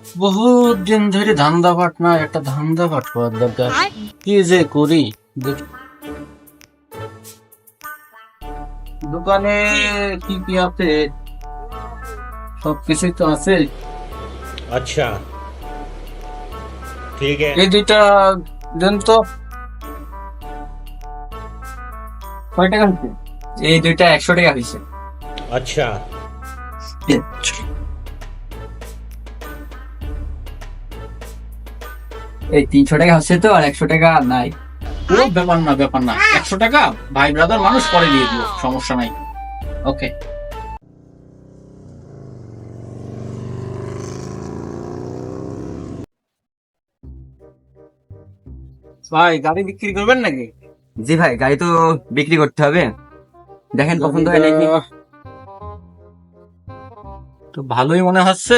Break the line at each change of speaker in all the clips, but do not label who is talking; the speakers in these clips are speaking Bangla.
বহুত দিন ধরে ধান্দা পাট না, একটা ধান্দা পাট করার দরকার। কি যে করি দোকানে কি কি আছে? সবকিছুই তো আছে।
अच्छा ठीक है।
এই দুইটা দেন তো। কয় টাকা হচ্ছে?
এই দুইটা 100 টাকা হয়েছে।
अच्छा
এই 300 টাকা হচ্ছে তো, আর 100 টাকা নাই।
ও ব্যাপার না, ব্যাপার না, 100 টাকা ভাই ব্রাদার মানুষ পরে দিয়ে দিও, সমস্যা নাই। ওকে ভাই, গাড়ি বিক্রি করবেন নাকি?
জি ভাই, গাড়ি তো বিক্রি করতে হবে। দেখেন পছন্দ হয় নাকি।
তো ভালোই মনে হচ্ছে।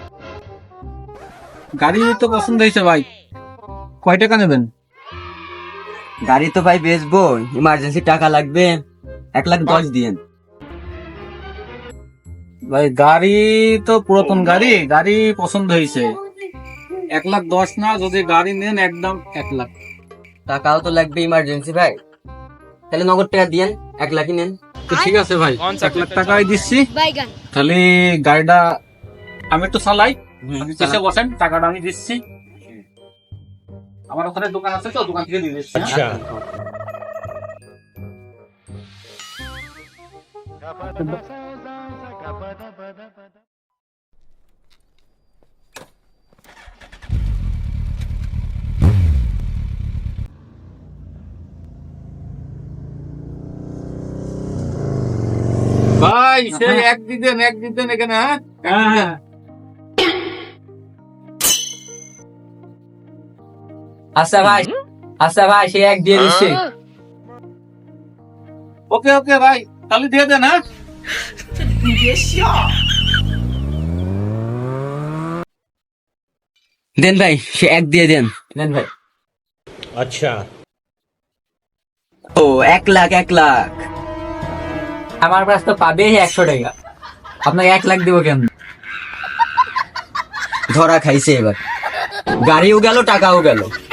গাড়ি তো পছন্দ হয়েছে ভাই, কয় টাকা নেবেন?
গাড়ি তো ভাই বেচবো, ইমার্জেন্সি টাকা লাগবে, 1,10,000 দিয়েন।
ভাই গাড়ি তো পুরাতন গাড়ি, গাড়ি পছন্দ হয়েছে। 1,10,000 না, যদি গাড়ি নেন একদম 1,00,000।
টাকাও তো লাগবে ইমার্জেন্সি ভাই, তাহলে নগদ টাকা দিয়েন, 1,00,000 নেন।
তো ঠিক আছে ভাই, 1,00,000 টাকাই দিচ্ছি। তাহলে গাড়িটা আমি একটু চালাই, আপনি চেষ্টা বসেন, টাকাটা আমি দিচ্ছি। আমার ওখানে দোকান আছে তো, দোকান থেকে দিয়ে দিচ্ছি।
अच्छा
ভাই সেই এক দিতেন এখানে। হ্যাঁ
আচ্ছা ভাই, আচ্ছা ভাই, সে এক দিয়ে দিচ্ছি।
ওকে ওকে ভাই, তাহলে দিয়ে দেন। হ্যাঁ
দেন ভাই, সে এক দিয়ে দেন, দেন ভাই।
अच्छा
ও 1,00,000 আমার কাছ তো পাবে 100 টাকা, আপনাকে 1,00,000 দিব কেন? ধরা খাইছে এবার, গাড়িও গেল, টাকাও গেল।